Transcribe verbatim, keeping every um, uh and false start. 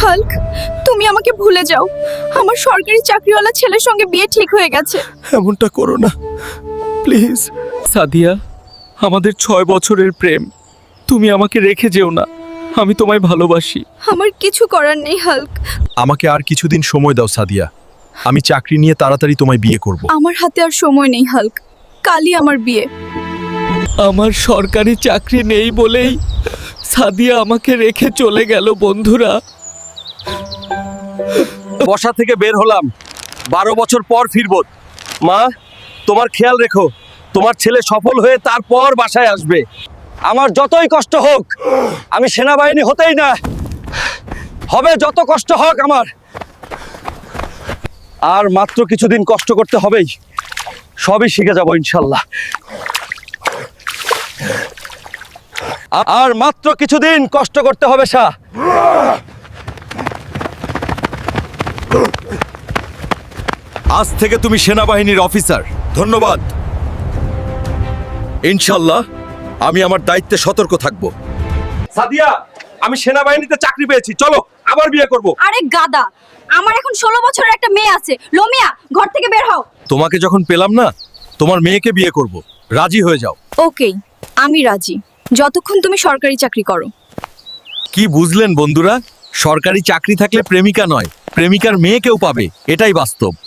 Hulk, তুমি আমাকে ভুলে যাও। আমার সরকারি চাকরিওয়ালা ছেলের সঙ্গে বিয়ে ঠিক হয়ে গেছে। এমনটা করো না প্লিজ। সাদিয়া, আমাদের ছয় বছরের প্রেম, তুমি আমাকে রেখে যেও না। আমি তোমায় ভালোবাসি। আমার কিছু করার নেই হাল্ক। আমাকে আর কিছুদিন সময় দাও সাদিয়া, আমি চাকরি নিয়ে তাড়াতাড়ি তোমায় বিয়ে করব। আমার হাতে আর সময় নেই হাল্ক, কালই আমার বিয়ে। আমার সরকারি চাকরি নেই বলেই সাদিয়া আমাকে রেখে চলে গেল। বন্ধুরা, বসা থেকে বের হলাম, বারো বছর পর ফিরবো। মা, তোমার খেয়াল রেখো, তোমার ছেলে সফল হয়ে তারপর বাসায় আসবে। আমার যতই কষ্ট হোক, আমি সেনাবাহিনী হতেই না হবে, যত কষ্ট হোক আমার। আর মাত্র কিছুদিন কষ্ট করতে হবেই, সবই শিখে যাব ইনশাল্লাহ। আর মাত্র কিছুদিন কষ্ট করতে হবে শাহ। আজ থেকে তুমি সেনাবাহিনীর অফিসার। ধন্যবাদ। ইনশাল্লাহ আমি আমার দায়িত্বে সতর্ক থাকব। সাদিয়া, আমি সেনাবাহিনীতে চাকরি পেয়েছি, চলো আবার বিয়ে করব। আরে গাদা, আমার এখন ষোলো বছরের একটা মেয়ে আছে। লোমিয়া, ঘর থেকে বের হও। তোমাকে যখন পেলাম না, তোমার মেয়েকে বিয়ে করব, রাজি হয়ে যাও। ওকে, আমি রাজি, যতক্ষণ তুমি সরকারি চাকরি করো। কি বুঝলেন বন্ধুরা? সরকারি চাকরি থাকলে প্রেমিকা নয়, প্রেমিকার মেয়েকেও পাবে, এটাই বাস্তব।